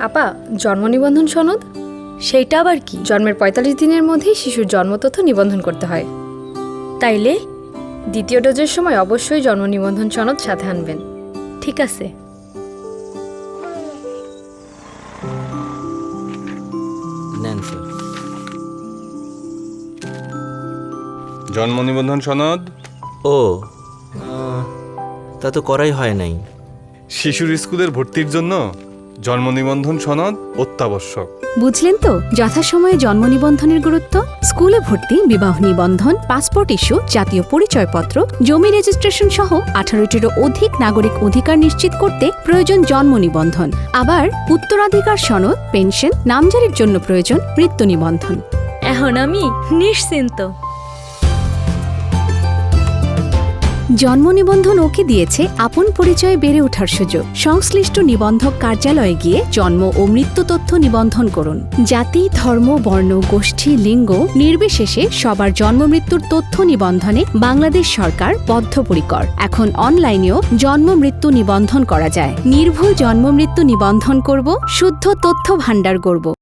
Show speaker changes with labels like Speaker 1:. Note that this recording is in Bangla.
Speaker 1: আপা, জন্ম নিবন্ধন সনদ?
Speaker 2: সেইটা আবার কি?
Speaker 1: জন্মের ৪৫ দিনের মধ্যেই শিশুর জন্মতথ্য নিবন্ধন করতে হয়।
Speaker 2: তাইলে
Speaker 1: দ্বিতীয় ডোজের সময় অবশ্যই জন্ম নিবন্ধন সনদ সাথে আনবেন।
Speaker 2: ঠিক আছে।
Speaker 3: নেন স্যার।
Speaker 4: জন্ম নিবন্ধন সনদ?
Speaker 3: ও তা তো করাই হয় নাই।
Speaker 4: শিশুর স্কুলের ভর্তির জন্য জন্ম নিবন্ধন সনদ অত্যাবশ্যক।
Speaker 5: বুঝলেন তো যথাসময়ে জন্ম নিবন্ধনের গুরুত্ব। স্কুলে ভর্তি, বিবাহ নিবন্ধন, পাসপোর্ট ইস্যু, জাতীয় পরিচয়পত্র, জমি রেজিস্ট্রেশন সহ 18টিরও অধিক নাগরিক অধিকার নিশ্চিত করতে প্রয়োজন জন্ম নিবন্ধন। আবার উত্তরাধিকার সনদ, পেনশন, নামজারির জন্য প্রয়োজন মৃত্যু নিবন্ধন।
Speaker 2: এখন আমি নিশ্চিন্ত।
Speaker 5: জন্ম নিবন্ধন ওকে দিয়েছে আপন পরিচয়ে বেড়ে ওঠার সুযোগ। সংশ্লিষ্ট নিবন্ধক কার্যালয়ে গিয়ে জন্ম ও মৃত্যু তথ্য নিবন্ধন করুন। জাতি, ধর্ম, বর্ণ, গোষ্ঠী, লিঙ্গ নির্বিশেষে সবার জন্ম মৃত্যুর তথ্য নিবন্ধনে বাংলাদেশ সরকার বদ্ধপরিকর। এখন অনলাইনেও জন্ম মৃত্যু নিবন্ধন করা যায়। নির্ভুল জন্ম মৃত্যু নিবন্ধন করব, শুদ্ধ তথ্য ভাণ্ডার গড়ব।